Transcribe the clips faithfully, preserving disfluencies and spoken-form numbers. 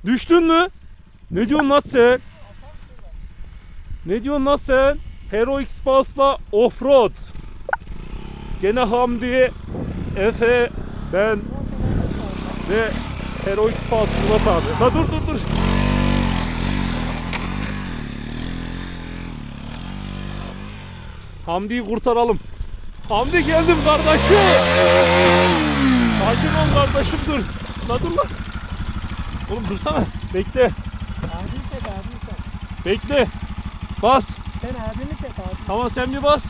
Düştün mü? Ne diyorsun lan sen? Ne diyorsun lan sen? Hero X-Pulse'la Offroad. Gene Hamdi, Efe, ben ve Hero X-Pulse Murat abi. Ha dur dur dur. Hamdi'yi kurtaralım. Hamdi geldim kardeşim. Sakin ol kardeşim dur. La dur lan. Oğlum dursana. Bekle. Abini çek abini çek. Bekle. Bas. Sen abini çek abi. Tamam sen bir bas.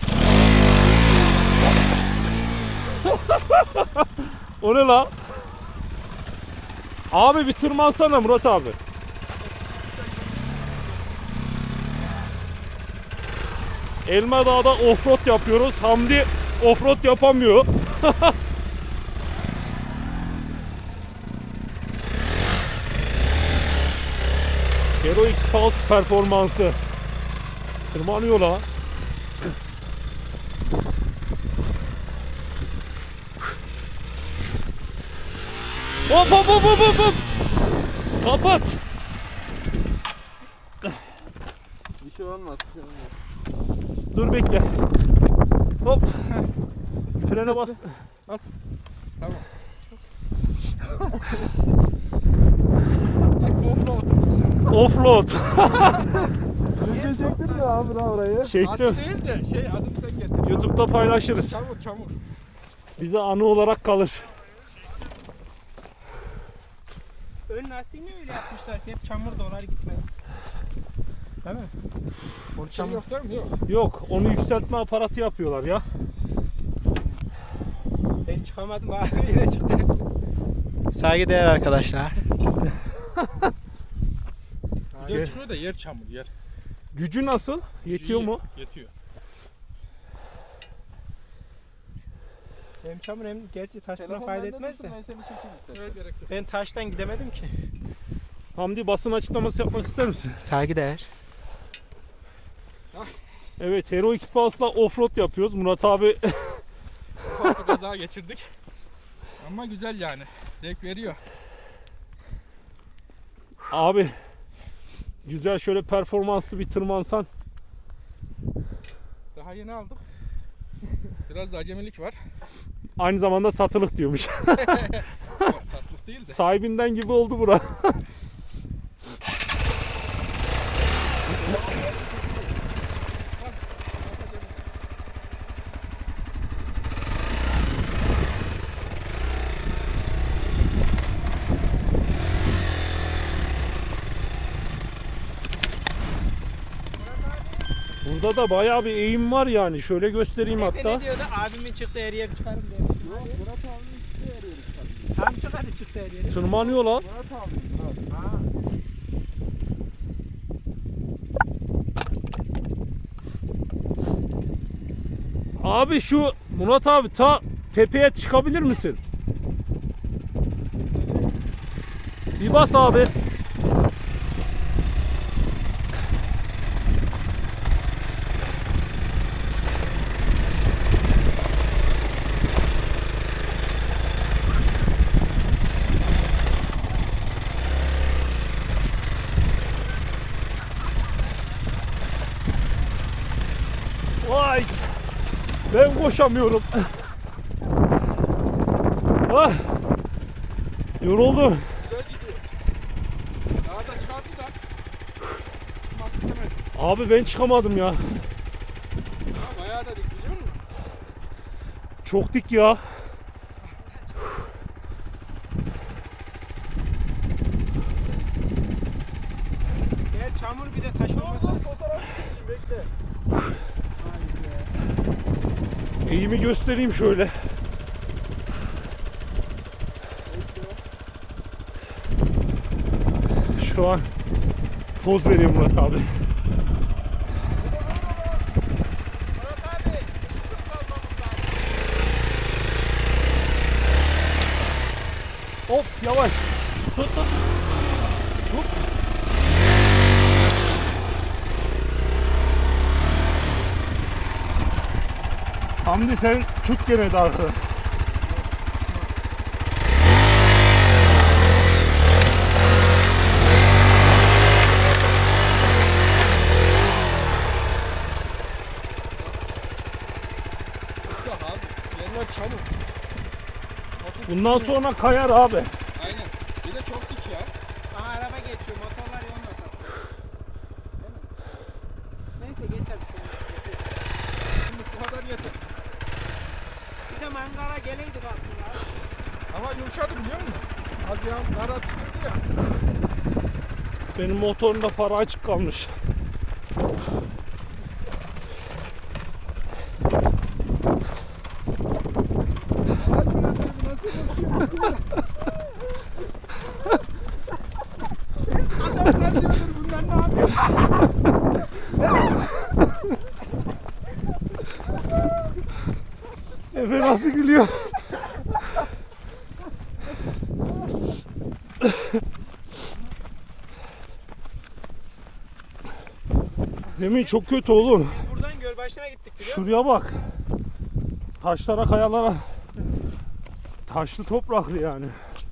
O ne la? Abi bir tırmansana Murat abi. Elma Dağ'da offroad yapıyoruz. Hamdi offroad yapamıyor. Hero X-Pulse performansı. Tırmanıyor la. Hop hop hop hop hop hop. Kapat. Bir şey olmaz. Bir şey olmaz. Dur bekle. Hop. Frene bas. Bas. Tamam. Offroad'umuz. Offroad. Video çektin mi abi orayı? Çektim. Aslında değil de şey adım sen getir. YouTube'da paylaşırız. Çamur çamur. Bize anı olarak kalır. Ön lastiğini öyle yapmışlar ki hep çamur dolar gitmez. Değil mi? Orada çamur yok değil mi? Yok. Yok, onu yükseltme aparatı yapıyorlar ya. Ben çıkamadım abi yine çıktı. Saygıdeğer arkadaşlar. Güzel çıkıyor da yer çamur yer. Gücü nasıl? Yetiyor Gücü mu? Yetiyor. Hem çamur hem gerçi taş buna fayda etmez de. Ben seni çekeyim. Gerek yok. Ben taştan gidemedim ki. Hamdi basın açıklaması yapmak ister misin? Saygıdeğer. Evet, Hero X-Pulse'la offroad yapıyoruz. Murat abi Ufak bir kaza geçirdik. Ama güzel yani. Zevk veriyor. abi güzel şöyle performanslı bir tırmansan. Daha yeni aldık. Biraz da acemilik var. Aynı zamanda satılık diyormuş. Yok, satlık değil de. Sahibinden gibi oldu bura. Burada da bayağı bir eğim var yani. Şöyle göstereyim Efe hatta. ne diyordu? Abimin çıktı her yer çıkarım diye. Yok, Murat abinin çıktığı her yeri çıkardım. Tam çık hadi çıktı her yeri. Tırmanıyor lan. Murat abi, Murat. Ha. Abi şu Murat abi ta tepeye çıkabilir misin? Bir bas abi. Vay! Ben koşamıyorum. Ah! Yoruldum. Güzel gidiyor. Daha da çıkardı da. Çıkmak istemedim. Abi ben çıkamadım ya. Ha, bayağı da dik biliyor musun? Çok dik ya. Eğer çamur bir de taş olmasa. Fotoğrafı çekeyim bekle. Eğimi göstereyim şöyle. Şu an poz veriyor Murat abi. Murat abi, ışık salmamız lazım. Hop yavaş. Tut tut. Tut. Hamdi sen tut gene de arkada. Bundan sonra kayar abi. Aynen. Bir de çok dik ya. Aha araba geçiyor. Motorlar yolun ortasında. Değil mi? Neyse geçer. Şimdi bu kadar yeter. Bir de mangala geleydik aslında. Ama yumuşadı biliyor musun? Az ya nara çıkıyordu ya. Benim motorumda para açık kalmış. Bunlar ne yapıyor? Efe nasıl gülüyor? Zemin çok kötü oğlum. Biz buradan Gölbaşı'na gittik biliyor musun? Şuraya bak. Taşlara, kayalara. Taşlı topraklı yani.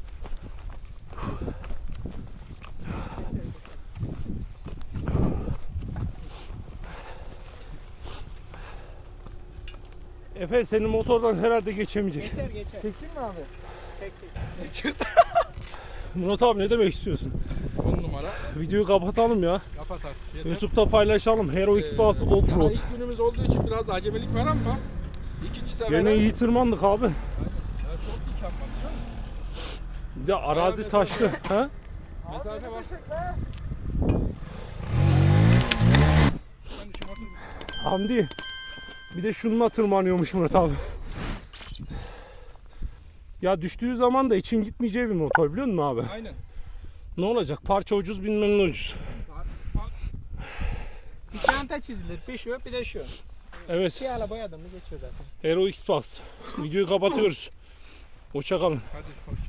Efe senin motordan herhalde geçemeyecek. Geçer geçer. Çekeyim mi abi? Çek çek. Murat abi ne demek istiyorsun? on numara. Videoyu kapatalım ya. Kapat artık. Yeter. YouTube'da paylaşalım. Hero X Bus Ee, Offroad. daha ilk günümüz olduğu için biraz da acemelik var ama ikinci sefer Gene iyi tırmandık abi. Ya çok dik ama biliyor musun? Bir de arazi Bayağı taşlı. Ha? Mesafe var. Ben şu motoru Hamdi. Bir de şununla tırmanıyormuş Murat abi. Ya düştüğü zaman da için gitmeyeceği bir motor biliyor musun abi? aynen. Ne olacak? Parça ucuz, bilmem ucuz. Bir çanta çizilir. Bir şu bir de şu. Evet. İki ala boyadım mı geçiyor zaten. Hero X Bus. Videoyu kapatıyoruz. Hoşça kalın. Hadi hoşça